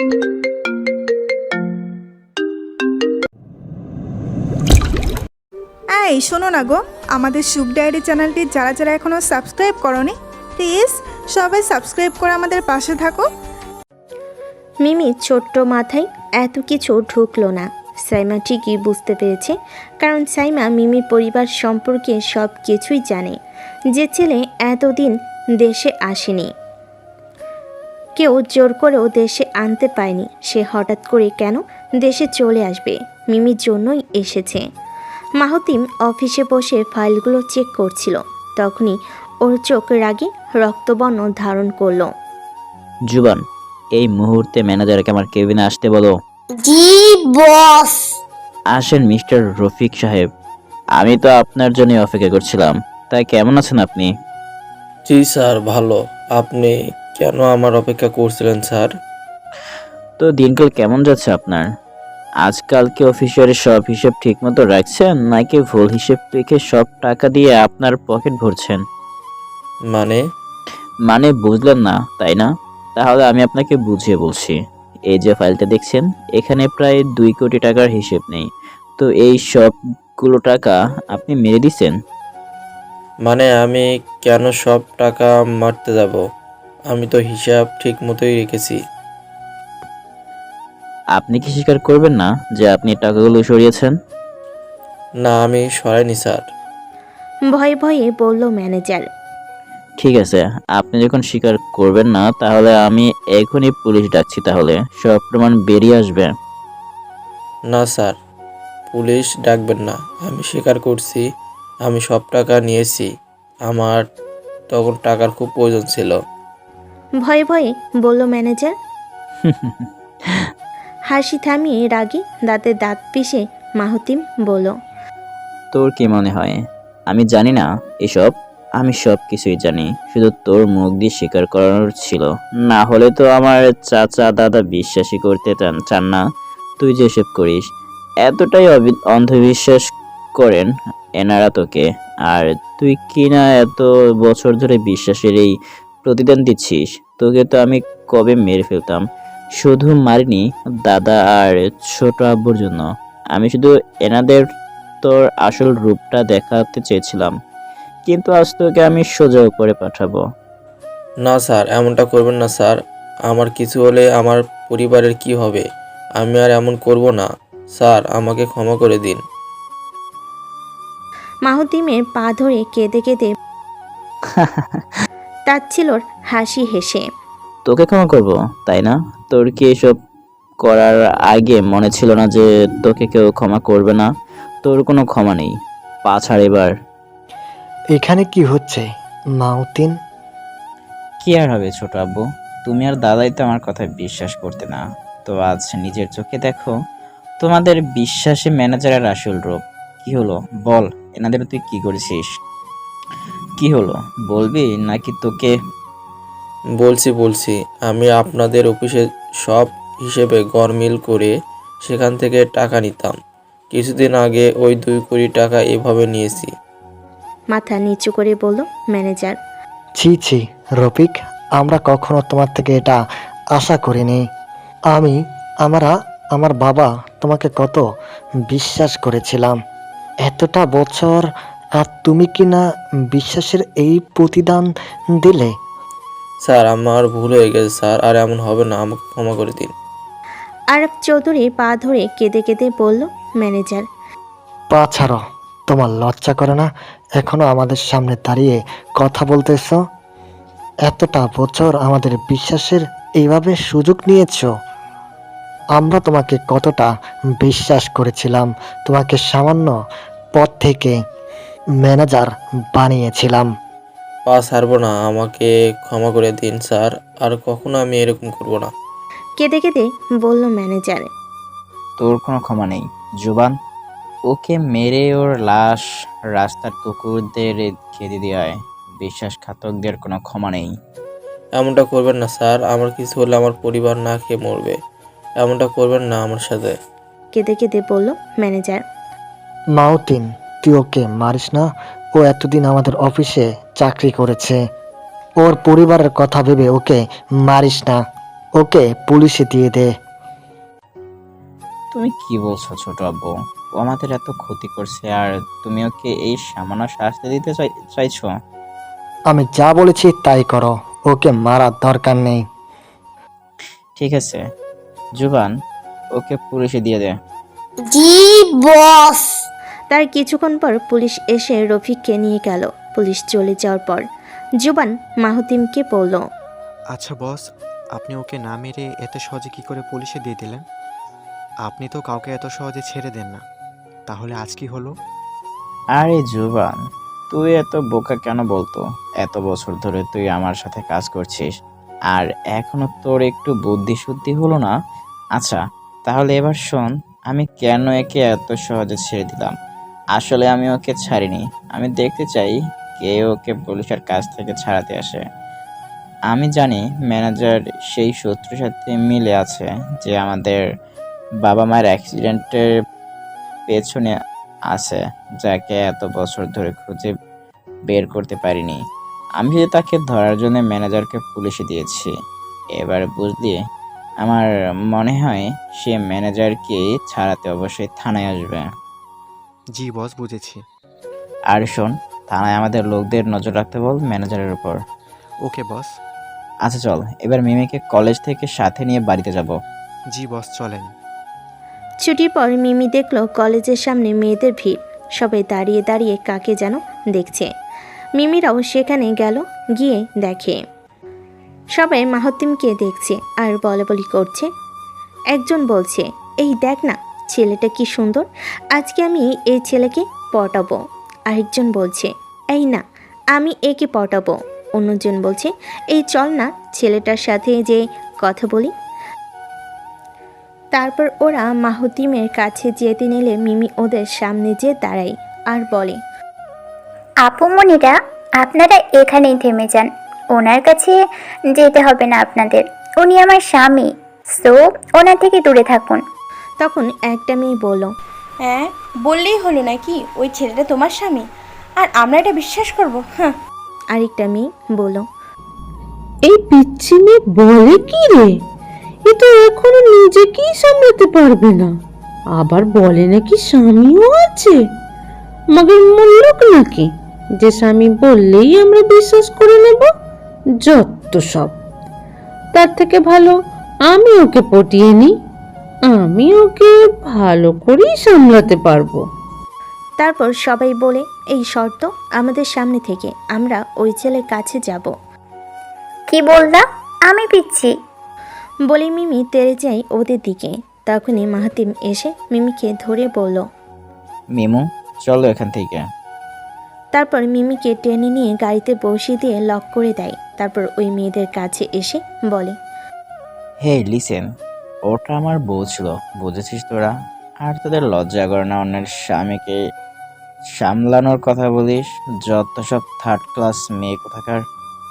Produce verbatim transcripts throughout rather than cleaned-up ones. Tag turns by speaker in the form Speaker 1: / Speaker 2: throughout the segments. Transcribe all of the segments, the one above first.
Speaker 1: এই শোনো না গো, আমাদের সুপ ডায়েরি চ্যানেলটি যারা যারা এখনও সাবস্ক্রাইব করোনি, প্লিজ সবাই সাবস্ক্রাইব করে আমাদের পাশে থাকো।
Speaker 2: মিমি ছোট্ট মাথায় এত কিছু ঢুকলো না। সাইমা ঠিকই বুঝতে পেরেছে, কারণ সাইমা মিমির পরিবার সম্পর্কে সব কিছুই জানে। যে ছেলে এতদিন দেশে আসেনি, কেউ জোর করেও দেশে আনতে পায়নি, সে হঠাৎ করে কেন দেশে চলে আসবে? মিমির জন্যই এসেছে। মাহতিম অফিসে বসে ফাইলগুলো চেক করছিল, তখনই ওর চোখ রাগে রক্তবর্ণ ধারণ করলো।
Speaker 3: জুবান, এই মুহূর্তে ম্যানেজারকে আমার কেবিনে আসতে বলো।
Speaker 4: জি বস।
Speaker 3: আসেন মিস্টার রফিক সাহেব, আমি তো আপনার জন্য অপেক্ষা করছিলাম। তাই কেমন আছেন আপনি?
Speaker 5: জি স্যার, ভালো। আপনি কেন আমার অপেক্ষা করছিলেন স্যার?
Speaker 3: তো দিনকাল কেমন যাচ্ছে আপনার? আজকাল কি অফিসের সব হিসেব ঠিকমতো রাখছেন, নাকি ভুল হিসেব রেখে সব টাকা দিয়ে আপনার পকেট ভরছেন?
Speaker 5: মানে?
Speaker 3: মানে বুঝলেন না তাই না? তাহলে আমি আপনাকে বুঝিয়ে বলছি। এই যে ফাইলটা দেখছেন, এখানে প্রায় দুই কোটি টাকার হিসেব নেই। তো এই সবগুলো টাকা আপনি মেরে দিছেন।
Speaker 5: মানে আমি কেন সব টাকা মারতে যাব? আমি তো হিসাব ঠিক মতোই রেখেছি।
Speaker 3: আপনি কি স্বীকার করবেন না যে আপনি টাকাগুলো সরিয়েছেন?
Speaker 5: না, আমি সরাইনি স্যার।
Speaker 2: ভয়ে ভয়ে বলল ম্যানেজার।
Speaker 3: ঠিক আছে, আপনি যখন স্বীকার করবেন না, তাহলে আমি এখনই পুলিশ ডাকছি। তাহলে সব প্রমাণ বেরিয়ে আসবে।
Speaker 5: না স্যার, পুলিশ ডাকবেন না। আমি স্বীকার করছি, আমি সব টাকা নিয়েছি। আমার তখন টাকার খুব প্রয়োজন ছিল।
Speaker 2: ভয়ে ভয়ে বলল ম্যানেজার। হাসি থামিয়ে রাগে দাঁতে দাঁত পিষে মাহতিম বলল,
Speaker 3: তোর কি মনে হয় আমি জানি না এসব? আমি সব কিছুই জানি, শুধু তোর মুখ দিয়ে স্বীকার করানোর ছিল। না হলে তো আমার চাচা দাদা বিশ্বাসই করতে চান চান না তুই যেসব করিস। এতটাই অবি- অন্ধবিশ্বাস করেন এনারা তোকে। আর তুই কি না এত বছর ধরে বিশ্বাসের এই প্রতিদান দিচ্ছিস? তোকে তো আমি কবে মেরে ফেলতাম। শুধু মারিনি দাদা আর ছোট আব্বুর জন্য, আমি শুধু এনাদের তোর আসল রূপটা দেখাতে চেয়েছিলাম। কিন্তু আজ তোকে আমি সোজা উপরে পাঠাবো।
Speaker 5: না স্যার, এমনটা করবেন না স্যার। আমার কিছু হলে আমার পরিবারের কি হবে? আমি আর এমন করব না স্যার, আমাকে ক্ষমা করে দিন।
Speaker 2: মাহতিমের পা ধরে কেঁদে কেঁদে তাচ্ছিলর হাসি হেসে।
Speaker 3: তোকে ক্ষমা করব তাই না? তোর কি এসব করার আগে মনে ছিল না যে তোকে কেউ ক্ষমা করবে না? তোর কোনো ক্ষমা নেই, পা ছাড় এবার।
Speaker 6: এখানে কি হচ্ছে মাউতিন?
Speaker 3: কি আর হবে ছোট আব্বু, তুমি আর দাদাই তো আমার কথা বিশ্বাস করতে না। তো আজ নিজের চোখে দেখো তোমাদের বিশ্বাসী ম্যানেজারের আসল রূপ। কি হলো বল, এনাদের তুই কি করেছিস? কি হলো বলবি নাকি তোকে?
Speaker 5: বলছি বলছি আমি আপনাদের অফিসে সব হিসেবে গরমিল করে সেখান থেকে টাকা নিতাম। কিছুদিন আগে ওই দুই কোটি টাকা এভাবে নিয়েছি।
Speaker 2: মাথা নিচু করে বলল ম্যানেজার।
Speaker 6: ছি ছি রফিক, আমরা কখনো তোমার থেকে এটা আশা করিনি। আমি আমরা আমার বাবা তোমাকে কত বিশ্বাস করেছিলাম এতটা বছর, আর তুমি কি না বিশ্বাসের এই প্রতিদান দিলে?
Speaker 5: স্যার, আমার ভুল হয়ে গেছে স্যার, আর এমন হবে না, আমাকে ক্ষমা করে দিন।
Speaker 2: আরব চৌধুরী পা ধরে কেঁদে কেঁদে বলল ম্যানেজার।
Speaker 6: পা ছাড়ো, তোমার লজ্জা করে না এখনো আমাদের সামনে দাঁড়িয়ে কথা বলতেছ? এতটা বছর আমাদের বিশ্বাসের এইভাবে সুযোগ নিয়েছ? আমরা তোমাকে কতটা বিশ্বাস করেছিলাম, তোমাকে সামান্য পদ থেকে ম্যানেজার বানিয়েছিলাম।
Speaker 5: পা ছাড়বো না, আমাকে ক্ষমা করে দিন স্যার, আর কখনো আমি এরকম করব না।
Speaker 2: কেঁদে কেঁদে বলল ম্যানেজার।
Speaker 3: তোর কোনো ক্ষমা নেই জুবান। ওকে মেরে ওর লাশ রাস্তার কুকুরদের খেতে দেওয়ায় বিশ্বাসঘাতকদের কোনো ক্ষমা নেই।
Speaker 5: এমনটা করবেন না স্যার, আমার কিছু হলে আমার পরিবার না খেয়ে মরবে। এমনটা করবেন না আমার সাথে।
Speaker 2: কেঁদে কেঁদে বলল ম্যানেজার।
Speaker 6: মাউতিন, তুই ওকে মারিস না। ও এতদিন আমাদের অফিসে চাকরি করেছে। ওর পরিবারের কথা ভেবে ওকে মারিস না। ও ওকে পুলিশে দিয়ে দে।
Speaker 3: তুমি কি বলছো ছোট আব্বু? ও আমাদের এত ক্ষতি করছে আর তুমি ওকে এই সামান্য শাস্তি দিতে চাই চাইছো?
Speaker 6: আমি যা বলেছি তাই করো, ওকে মারার দরকার নেই।
Speaker 3: ঠিক আছে জুবান, ওকে পুলিশে দিয়ে দে।
Speaker 4: জি বস।
Speaker 2: তার কিছুক্ষণ পর পুলিশ এসে রফিককে নিয়ে গেল। পুলিশ চলে যাওয়ার পর জুবান মাহতিমকে বলল,
Speaker 7: আচ্ছা বস, আপনি ওকে না মেরে এত সহজে কি করে পুলিশে দিয়ে দিলেন? আপনি তো কাউকে এত সহজে ছেড়ে দেন না, তাহলে আজ কি হলো?
Speaker 3: আরে জুবান, তুই এত বোকা কেন বলতো? এত বছর ধরে তুই আমার সাথে কাজ করছিস আর এখনো তোর একটু বুদ্ধি শুদ্ধি হলো না? আচ্ছা তাহলে এবার শোন, আমি কেন একে এত সহজে ছেড়ে দিলাম। আসলে আমি ওকে ছাড়িনি, আমি দেখতে চাই কে ওকে পুলিশের কাছ থেকে ছাড়াতে আসে। আমি জানি ম্যানেজার সেই শত্রুর সাথে মিলে আছে যে আমাদের বাবা মায়ের অ্যাক্সিডেন্টের পেছনে আছে, যাকে এত বছর ধরে খুঁজে বের করতে পারিনি। আমি শুধু তাকে ধরার জন্য ম্যানেজারকে পুলিশে দিয়েছি। এবার বুঝলি, আমার মনে হয় সে ম্যানেজারকে ছাড়াতে অবশ্যই থানায় আসবে।
Speaker 7: জি বস, বুঝেছি।
Speaker 3: আর শোন, থানায় আমাদের লোকদের নজর রাখতে বল ম্যানেজারের উপর।
Speaker 7: ওকে বস।
Speaker 3: আচ্ছা চল, এবার মিমিকে কলেজ থেকে সাথে নিয়ে বাড়িতে যাব।
Speaker 7: জি বস, চলেন।
Speaker 2: ছুটির পর মিমি দেখলো কলেজের সামনে মেয়েদের ভিড়, সবাই দাঁড়িয়ে দাঁড়িয়ে কাকে যেন দেখছে। মিমিরাও সেখানে গেল, গিয়ে দেখে সবাই মাহতিমকে দেখছে আর বলাবলি করছে। একজন বলছে, এই দেখ না ছেলেটা কি সুন্দর, আজকে আমি এই ছেলেকে পটাবো। আরেকজন বলছে, এই না আমি একে পটাবো। অন্যজন বলছে, এই চল না ছেলেটার সাথে যে কথা বলি। তারপর ওরা মাহতিমের কাছে যেতে নিলে মিমি ওদের সামনে যেয়ে দাঁড়ায় আর বলে,
Speaker 8: আপুমনিরা, আপনারা এখানেই থেমে যান, ওনার কাছে যেতে হবে না আপনাদের, উনি আমার স্বামী, সো ওনার থেকে দূরে থাকুন।
Speaker 2: তখন একটা মেয়ে বলল,
Speaker 9: হ্যাঁ বললেই হলো নাকি ওই ছেলেটা তোমার স্বামী, আর আমরা এটা বিশ্বাস করব? হ্যাঁ।
Speaker 2: আরেকটা মেয়ে বলল,
Speaker 10: এই পিচ্ছি মেয়ে বলে কি রে, এ তো এখনো নিজেকেই সামলাতে পারবে না, আবার বলে নাকি স্বামীও আছে। মগের মুল্লুক নাকি যে স্বামী বললেই আমরা বিশ্বাস করে নেব? যত সব। তার থেকে ভালো আমি ওকে পটিয়ে নিই, আমি ওকে ভালো করেই সামলাতে পারবো।
Speaker 2: তারপর সবাই বলে, এই শর্ত আমাদের সামনে থেকে আমরা ওই ছেলের কাছে যাব।
Speaker 8: কি বললা? আমি পিচ্ছি?
Speaker 2: বলে মিমি তেড়ে যায় ওদের দিকে। তখনই মাহাতিম এসে মিমিকে ধরে বলল,
Speaker 3: মিমু চলো এখান থেকে।
Speaker 2: তারপর মিমিকে টেনে নিয়ে গাড়িতে বসিয়ে দিয়ে লক করে দেয়। তারপর ওই মেয়েদের কাছে এসে বলে,
Speaker 3: হে লিসেন, ওটা আমার বউ ছিল, বুঝেছিস তোরা? আর তোদের লজ্জা করে না অন্যের স্বামীকে সামলানোর কথা বলিস? যত সব থার্ড ক্লাস মেয়ে কোথাকার।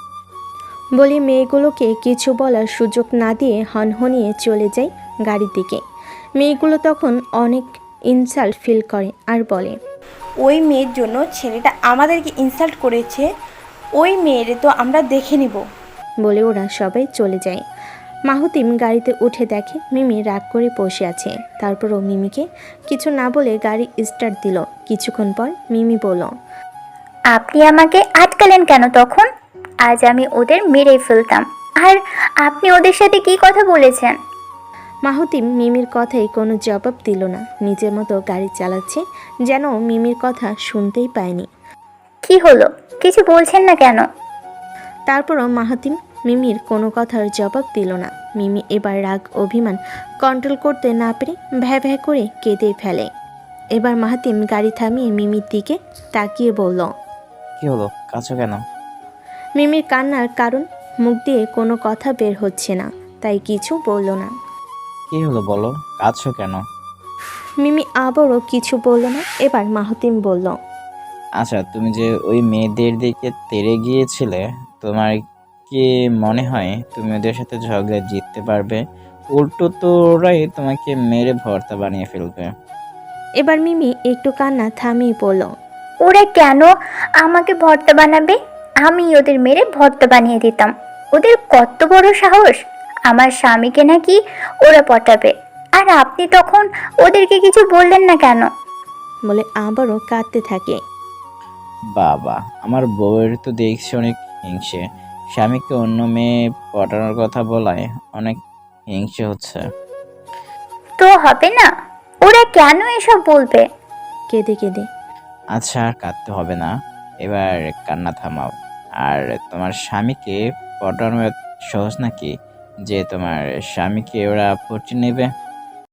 Speaker 2: বলে মেয়েগুলোকে কিছু বলার সুযোগ না দিয়ে হনহনিয়ে চলে যায় গাড়ির দিকে। মেয়েগুলো তখন অনেক ইনসাল্ট ফিল করে আর বলে,
Speaker 9: ওই মেয়ের জন্য ছেলেটা আমাদেরকে ইনসাল্ট করেছে, ওই মেয়েরে তো আমরা দেখে নিব।
Speaker 2: বলে ওরা সবাই চলে যায়। মাহতিম গাড়িতে উঠে দেখে মিমি রাগ করে বসে আছে। তারপরও মিমিকে কিছু না বলে গাড়ি স্টার্ট দিল। কিছুক্ষণ পর মিমি বলল,
Speaker 8: আপনি আমাকে আটকালেন কেন তখন? আজ আমি ওদের মেরেই ফেলতাম, আর আপনি ওদের সাথে কি কথা বলেছেন?
Speaker 2: মাহতিম মিমির কথাই কোনো জবাব দিল না, নিজের মতো গাড়ি চালাচ্ছে, যেন মিমির কথা শুনতেই পায়নি।
Speaker 8: কি হলো, কিছু বলছেন না কেন?
Speaker 2: তারপরও মাহাতিম মিমির কোনো কথার জবাব দিল না। মিমি এবার রাগ অভিমান কন্ট্রোল করতে না পেরে ভ্যা ভ্যা করে কেঁদে ফেলে। এবার মাহাতিম গাড়ি থামিয়ে মিমির দিকে তাকিয়ে বলল,
Speaker 3: কি হলো, কাছো কেন?
Speaker 2: মিমির কান্নার কারণ মুখ দিয়ে কোনো কথা বের হচ্ছে না, তাই কিছু বলল না।
Speaker 3: কি হলো বলো, কাছো কেন?
Speaker 2: মিমি আবারও কিছু বলল না। এবার মাহাতিম বলল,
Speaker 3: আচ্ছা তুমি যে ওই মেয়েদের দিকে তেড়ে গিয়েছিলে, তোমার কি মনে হয় তুমি ওদের সাথে ঝগড়া জিততে পারবে? উল্টো তো ওরাই তোমাকে মেরে ভর্তা বানিয়ে ফেলবে।
Speaker 2: এবার মিমি একটু কান্না থামিয়ে বলল,
Speaker 8: ওরা কেন আমাকে ভর্তা বানাবে? আমি ওদের মেরে ভর্তা বানিয়ে দিতাম। ওদের কত বড় সাহস! আমার স্বামীকে নাকি ওরা পটাবে। আর আপনি তখন ওদেরকে কিছু বললেন না কেন?
Speaker 2: বলে আবারও কাঁদতে থাকে।
Speaker 3: বাবা, আমার বউয়ের তো দেখছি অনেক হিংসে। স্বামীকে অন্য মেয়ে পটানোর কথা বলায় অনেক হিংসে হচ্ছে।
Speaker 8: তো হবে না, ওরা কেন এসব বলবে?
Speaker 2: কেঁদে কেঁদে।
Speaker 3: আচ্ছা, আর কাঁদতে হবে না, এবার কান্না থামাও। আর তোমার স্বামীকে পটানো এত সহজ নাকি যে তোমার স্বামীকে ওরা পটিয়ে নেবে?